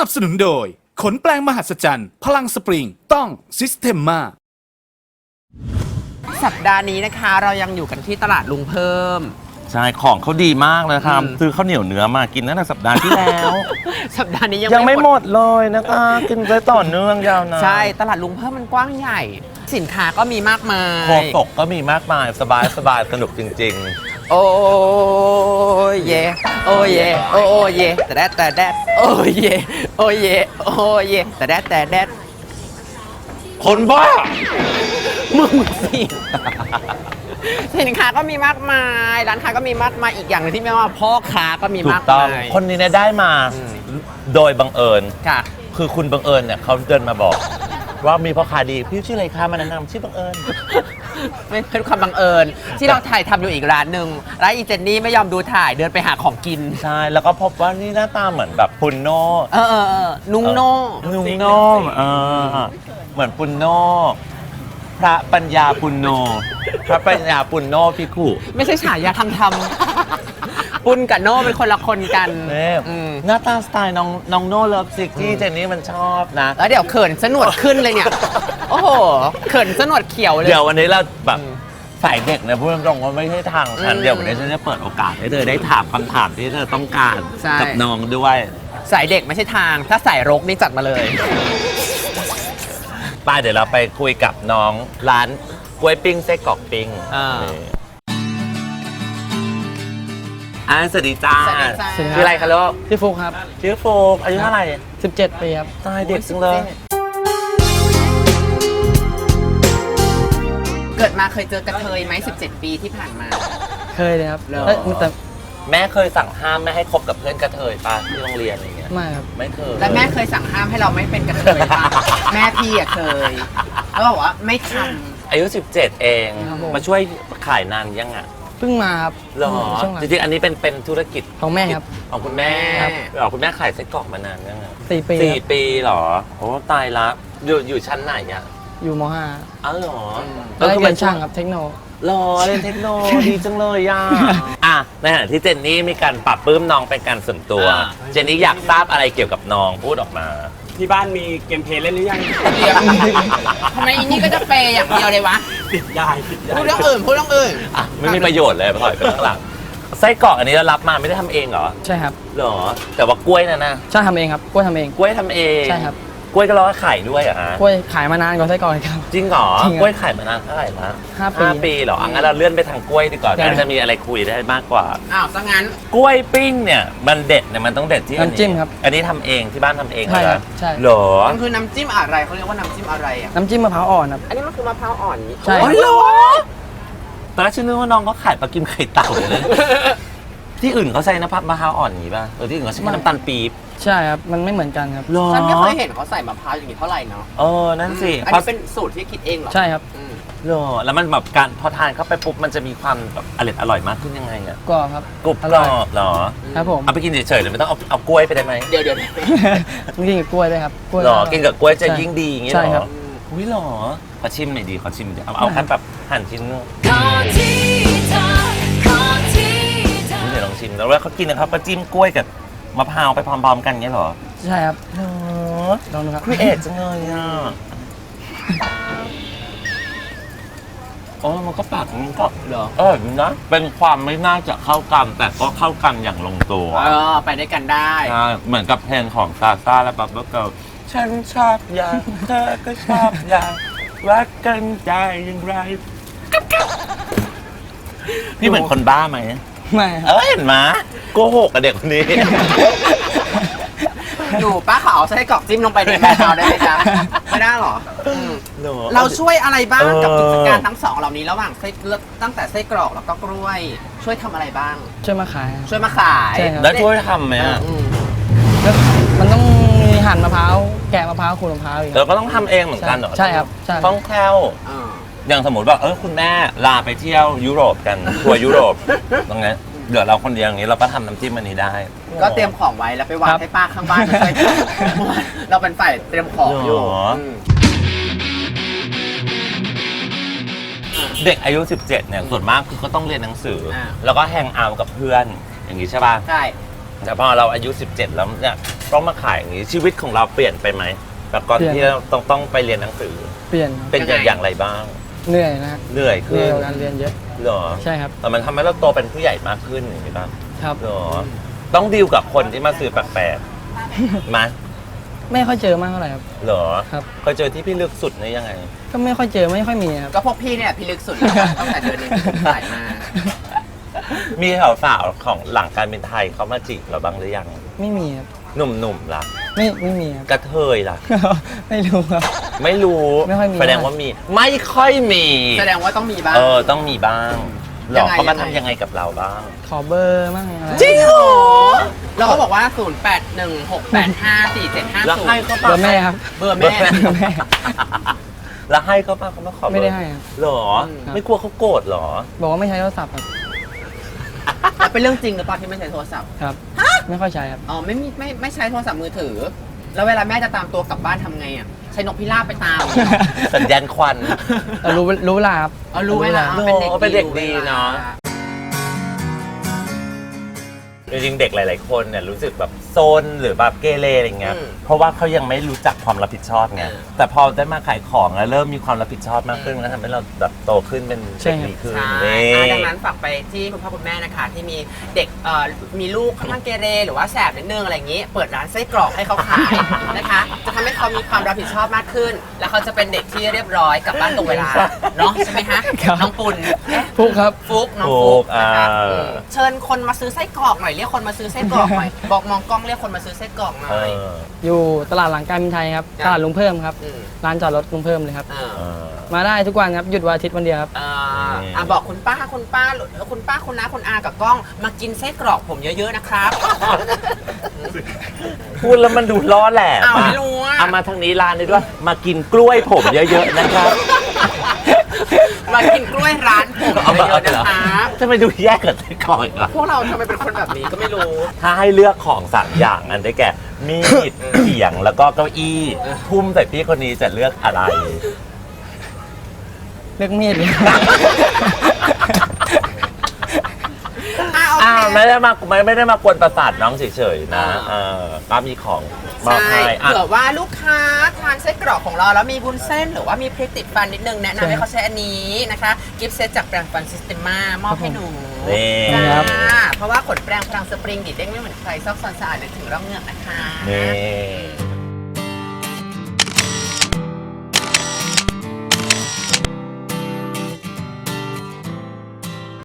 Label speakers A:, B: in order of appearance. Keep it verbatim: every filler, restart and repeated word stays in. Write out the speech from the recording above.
A: นับสนุนโดยขนแปลงมหัศจรรย์พลังสปริงต้องซิสเ e มมา
B: สัปดาห์นี้นะคะเรายังอยู่กันที่ตลาดลุงเพิ่ม
C: ใช่ของเขาดีมากเลยครับซื้อข้าวเหนียวเนื้อมากินตั้งแต่สัปดาห์ที่แล้ว
B: สัปดาห์นี้ยัง
C: ยังไม่หมดเลยนะคะกินไปต่อเนื่องยาวนาน
B: ใช่ตลาดลุงเพิ่มมันกว้างใหญ่ สินค้าก็มีมากมาย
C: โคตกก็มีมากมายสบายสบายสนุกจริง
B: ๆโอ้ยเยโอ้ยเยโอ้ยเยแต่แดดแต่แดดโอ้ยเยโอ้ยเยโอ้ยเยแต่แดดแต่แดด
C: คนบ้า
B: มึงสิสินค้าก็มีมากมายร้านค้าก็มีมากมายอีกอย่างนึงที่ไม่ว่าพ่อค้าก็มีมากมาย
C: คนนี้เนี่ยได้มาโดยบังเอิญ
B: ค่ะ
C: คือคุณบังเอิญเนี่ยเขาเดินมาบอกว่ามีพ่อค้าดีพี่ชื่ออะไรคะมาแนะนำชื่อบังเอิญ
B: ไม่เป็นความบังเอิญที่เราถ่ายทำอยู่อีกร้านหนึ่งร้านอีเจนนี่ไม่ยอมดูถ่ายเดินไปหาของกิน
C: ใช่แล้วก็พบว่านี่หน้าตาเหมือนแบบปุนโน
B: เออเออนุ่งโน่
C: นุ่งโน่เออเหมือนปุนโนพระปัญญาปุณโญพระปัญญาปุณโญภิกขุ
B: ไม่ใช่ฉายาทำทำปุณกับโน่เป็นคนละคนกัน
C: หน้าตาสไตล์น้องน้องโน่เลิฟซิกที่เจนนี่มันชอบนะ
B: แล้วเดี๋ยวเขินสนวดขึ้นเลยเนี่ยโอ้โหเขินสนวดเขียวเลย
C: เดี๋ยววันนี้เราแบบฝ่ายเด็กเนี่ยพูดตรงๆว่าไม่ใช่ทางฉันเดี๋ยววันนี้ฉันจะเปิดโอกาสให้เธอได้ถามคำถามที่เธอต้องการกับน้องด้วย
B: สายเด็กไม่ใช่ทางถ้าสายรกนี่จัดมาเลย
C: ป้าเดี๋ยวเราไปคุยกับน้องร้านกล้วยปิ้งไส้กรอกปิ้งอ่าสวัสดีจ้าชื่ออะไรคะลูก
D: ชื่อฟุกครับ
C: ชื่อโฟกอายุเท่าไหร่
D: สิบเจ็ดปีครับ
C: ตายเด็กจังเลย
B: เกิดมาเคยเจอกระเทยไหมสิบเจ็ดปีที่ผ่านมา
D: เคยเลยครับแต่
C: แม่เคยสั่งห้ามไม่ให้คบกับเพื่อนกระเทยป่ะที่โรงเรียนอะไรเงี้ย
D: ไม่ครับ
C: ไม่เคย
B: แล้วแม่เคยสั่งห้ามให้เราไม่เป็นกระเทยป่ะแม่พี่อะเคยแล้วบอกว่าไม่ทำ
C: อายุสิบเจ็ดเองมาช่วยขายนานยังอ่ะ
D: เพิ่งมาครับ
C: หรอจริงๆอันนี้เป็นเป็นธุรกิจ
D: ของแม่ครับ
C: ของคุณแม่หรอคุณแม่ขายไส้กรอกมานานยังไง
D: สี่ปี
C: สี่ปีหรอโอ้ตายละอยู่อยู่ชั้นไหนอ่ะ
D: อยู่ม.ห้า
C: อ๋อหรอ
D: แล้วก็เป็นช่างครับเทคโน
C: รอเรียนเทคโนดีจังเลยย่าอ่ะในขณะที่เจนนี่มีการปรับปลื้มน้องเป็นการส่วนตัวเจนนี่อยากทราบอะไรเกี่ยวกับน้องพูดออกมา
E: ที่บ้านมีเกมเพลย์เล่นหรือยัง
B: ทำไมอีนี่ก็จะเปย์อย่างเดียวเลยวะ
E: ติดยายติดยาย
B: พูดเรื่องอื่นพูดเรื่องอื่น
C: อ่ะไม่มีประโยชน์เลยถอยไปข้างหลังไส้กรอกอันนี้เรารับมาไม่ได้ทำเองเหรอ
D: ใช่ครับ
C: หรอแต่ว่ากล้วยนะนะ
D: ใช่ทำเองครับกล้วยทำเอง
C: กล้วยทำเอง
D: ใช่ครับ
C: กล้วยก็ร้อยขายด้วยอ่ะ
D: กล้วยขายมานานกว่าไส้กรอกครับ
C: จริงเหรอกล้วยขายมานานเท่าไหร่ละ
D: ห้าปี
C: ห้าปีเหรองั้นเราเลื่อนไปทางกล้วยดีกว่าน่าจะมีอะไรคุยได้มากกว่า
B: อ้าวซะงั้น
C: กล้วยปิ้งเนี่ยมันเด็ดเนี่ยมันต้องเด็ดที่
D: น้ำจิ้มครับ
C: อันนี้ทำเองที่บ้านทำเอง
D: ใช่ครับใช่
C: หรอ
B: มันคือน้ำจิ้มอะไรเขาเรียกว่าน้ำจิ้มอะไรอ่ะ
D: น้ำจิ้มมะพร้าวอ่อนครับ
B: อันนี้มันคือมะพร้าวอ่อน
D: ใช่
C: หรอตอนแรกฉันนึกว่าน้องเขาขายปลากิมไข่เต่าเลยที่อื่นเขาใส่น้ำมะพร้าวอ่อนอย่างนี้ป่ะเออที่อื่นเขาใช้น้ำตาลปี๊บ
D: ใช่ครับมันไม่เหมือนกันครับ
B: ฉันไม่เคยเห็นเขาใส่มะพร้าวอย่างนี้เท่าไหร่เนาะ
C: เออนั่นสิ
B: อันนี้เป็นสูตรที่คิดเองเหรอ
D: ใช่ครับ
C: เหรอแล้วมันแบบการพอทานเข้าไปปุ๊บมันจะมีความแบบอร่อยอร่อยมากขึ้นยังไงอ่ะ
D: กรอบครับ
C: กรุบกรอบเหรอ
D: ครับผม
C: เอาไปกินเฉยๆหรือไม่ต้องเอาเอากล้วยไปได้ไหม
B: เดี๋ยวเดี๋ยว
D: กินกับกล้วยด้วยครับกล้วย
C: หรอกินกับกล้วยจะยิ่งดีอย่างเงี้ย
D: หรอ
C: อุ้ยหรอขอชิมหน่อยดีขอชิมเดี๋ยวเอาเอาแค่แบบหั่นชิ้นนึงเดี๋ยวลองชิมแล้วว่าเขากินนะครับก็จิ้มกล้วยกับมะพร้าวไปพร้อมๆกันเงี้ยหรอ
D: ใช่ครับ
C: ลองดูครับครีเอทจังเลยอ่ะโอ้มันก็ปากมันก็
B: เหรอ
C: เออนะเป็นความไม่น่าจะเข้ากันแต่ก็เข้ากันอย่างลงตัว
B: เออไปด้วยกันได้
C: ใช่เหมือนกับเพลงของซาซ่าและบับเบิ้ลเกิร์ลฉันชอบอย่างเธอก็ชอบอย่างรักกันได้อย่างไรพี่เหมือนคนบ้าไหม
D: ไม่
C: เออเห็นไหมโกหกกับเด็กคนนี้
B: อยู่ป้าขาวใช้กรอกจิ้มลงไปในมะพร้าวได้ไหมจ๊ะไม่ได้หรอเราช่วยอะไรบ้างกับกิจการทั้งสองเหล่านี้ระหว่างไส้ตั้งแต่ไส้กรอกแล้วก็กล้วยช่วยทำอะไรบ้าง
D: ช่วยมาขาย
B: ช่วยมาขาย
C: แล้วช่วยทำไหมอ่ะ
D: มันต้องมีหั่นมะพร้าวแกะมะพร้าวขูดมะพร้าวอีก
C: เราก็ต้องทำเองเหมือนกันเหรอ
D: ใช่ครับใช่
C: ต้องแคล่วอย่างสมมติว่าเออคุณแม่ลาไปเที่ยวยุโรปกันทัวร์ยุโรปตรงนี้เดี๋ยวเราคนเดียวอย่างนี้เราก็ทำน้ำจิ้มอันนี้ได้
B: ก็เตรียมของไว้แล้วไปวางให้ป้าข้างบ้านช่วยเราเป็นฝ่ายเตรียมของอยู่
C: เด็กอายุสิบเจ็ดเนี่ยส่วนมากคือก็ต้องเรียนหนังสือแล้วก็แฮงเอาท์กับเพื่อนอย่างนี้ใช่ป่ะ
B: ใช่
C: แต่พอเราอายุสิบเจ็ดแล้วเนี่ยต้องมาขายอย่างนี้ชีวิตของเราเปลี่ยนไปไหมแบบก่อนที่เราต้องต้องไปเรียนหนังสือ
D: เปลี่ยนครับ
C: เป็นอย่างไรบ้าง
D: เหนื่อยนะฮะ
C: เหนื่อย
D: เหนื่
C: ขึ้
D: อย
C: น
D: กว่าการเรียนเยอะ
C: เหรอ
D: ใช่ครับ
C: แต่มันทำให้เราโตเป็นผู้ใหญ่มากขึ้นอย่างนี้บ้าง
D: ครับ
C: เหรอต้องดีลกับคนที่มาซื้อแปลกๆไหม
D: ไม่ค่อยเจอมากเท่าไหร่ครับ
C: เหรอ
D: ครับ
C: เคยเจอที่พี่ลึกสุดนี่ยังไง
D: ก็ไม่ค่อยเจอไม่ค่อยมีครับ
B: ก็พวกพี่เนี่ยพี่ลึกสุดแล้วค่ะตั้งแต่เดือนนี้สายมา
C: มีสาวๆของหลังการเป็นไทยเขามาจีบเราบ้างหรือยัง
D: ไม่มีครับ
C: หนุ่มๆล่ะ
D: ไม่ไม่มีครับ
C: กระเทยล่ะ
D: ไม่รู้ครับ
C: ไม่รู้
D: ไม่ค่อยมี
C: แสดงว่ามี ไม่ค่อยมี
B: แสดงว่าต้องมีบ้าง
C: เออ ต้องมีบ้างหร
B: ยั
C: อง
B: ไง
C: เขามา
B: ยังไง
C: ทำยังไงกับเราบ้าง
D: ขอเบอร์มั่งอะไร
C: จริงเหรอ
B: เราก็บอกว่า ศูนย์ แปด หนึ่ง หก แปด ห้า สี่ เจ็ด ห้า
C: แล้ว
B: ศูน
C: ให้
B: ย์
C: เขา
D: เบ
C: ปะ
D: อร์แม่ครับ
B: เบอร์
C: เบอ
B: แม่
C: ร์แม่ แล้วให้เขาปะเขาไม่ขอเบอร์
D: ไม่ได้ให้ครับ
C: หรอ
B: อืม
C: ไม่กลัวเขาโกรธหรอ
D: บอกว่าไม่ใช้โทรศัพท์ครับ
B: แล้วเป็นเรื่องจริงหรือเปล่าที่ไม่ใช้โทรศัพท์
D: ครับ ไม่ค่อยใช้ครับ
B: อ๋อไม่มีไม่ไม่ใช้โทรศัพท์มือถือ แล้วเวลาแม่จะตามตัวกลับบ้านทำไงอ่ะใช้นกพิราบไปตาม
C: สัญญาณควัน
D: แต่รู้รู้เวลาครับ
B: เอารู้เวลา
C: โอ้
B: เอาเป็นเด็ก
C: เป็นเด็กดี
B: รู้วล
C: เนาะ จริงๆเด็กหลาย ๆ คนเนี่ยรู้สึกแบบโซนหรือแบบเกเรอะไรเงี้ย
B: อืม
C: เพราะว่าเขายังไม่รู้จักความรับผิดชอบไง
B: เออ
C: แต่พอได้มาขายของแล้วเริ่มมีความรับผิดชอบมากขึ้นแล้วทำให้เราแบบโตขึ้นเป็น
D: ใช่
C: เด็ก
D: ครับ
C: ดีขึ้น
B: ใช่
C: นี่
B: อ่ะดังนั้นฝากไปที่คุณพ่อคุณแม่นะคะ ที่มีเด็กเอ่อมีลูกค่อนข้างเกเรหรือว่าแสบนิดนึงอะไรอย่างนี้ เปิดร้านไส้กรอกให้เขาขายนะคะ จะทำให้เขามีความรับผิดชอบมากขึ้น แล้วเขาจะเป็นเด็กที่เรียบร้อยกลับบ้านตรงเวลาเนาะใช่ไหมฮะ
D: ครับ
B: น้องปุณเอ๊ะ
D: ฟุกครับ
B: ฟุกน้อง
C: ฟุ
B: ฟุ
C: ก
B: กนะคะ
C: อ่า
B: อืมเชิญคนมาซื้อไส้กรอกหน่อยเรียกคนมาซื้อไส้กรอกหน่อยบอกมองกล้องเรียกคนมาซื้อไส้กรอกหน่
C: เอ
B: อย
C: อ
D: อยู่ตลาดหลังการบินไทยครับ
B: ครับ
D: ตลาดลุงเพิ่มครับ
B: อืม
D: ร้านจอดรถลุงเพิ่มเลยครับ
B: เออ
C: เออ
D: มาได้ทุกวันครับ หยุดวันอาทิตย์วันเดียวครับ
B: อ่า
C: อืม
B: อ่ะบอกคุณป้าคุณป้าคุณป้าคุณน้าคุณอากับกล้อง มากินไส้กรอกผมเยอะๆนะครับ
C: พูดแล้วมันดูล้อแหลม
B: อ้าว
C: อะ
B: ไม่รู้อะ
C: เอามาทางนี้ร้านนี้ด้วย มากินกล้วยผมเยอะ ๆ นะครับ
B: มากินกล้วยร้านผม
C: เอามา
B: เยอะๆนะครับ
C: จะไปดูแยกกับไส้กรอกอีกเหรอ
B: พวกเราทำไมเป็นคนแบบนี้ก็ไม่รู้
C: ถ้าให้เลือกของสามอย่างอันได้แก่ มีด เขียงแล้วก็เก้าอี้ ทุ่มใส่พี่คนนี้จะเลือกอะไร
D: เลือกมีดเลย
B: อ่ะโอ
C: อ้าว
B: เค
C: ไม่ได้มาไม่ไม่ได้มากวนประสาทน้องเฉยๆนะเออป้ามีของมอบ
B: ใช่
C: ให้อ่ะ
B: เผื่อว่าลูกค้าทานไส้กรอกของเราแล้วมีวุ้นเส้น หรือว่ามีพริกติดฟันนิดนึงแนะนำให้เขาใช้อันนี้นะคะ กิฟต์เซตจากแปรงฟันซิสเต็มามอบให้หนู
C: นี่
B: จ้า
D: ครับ
B: เพราะว่าขนแปรงพลังสปริงดีดเด้งไม่เหมือนใครซอกซอนสะอาดนึกถึงร่องเหงือกนะคะ
C: นี่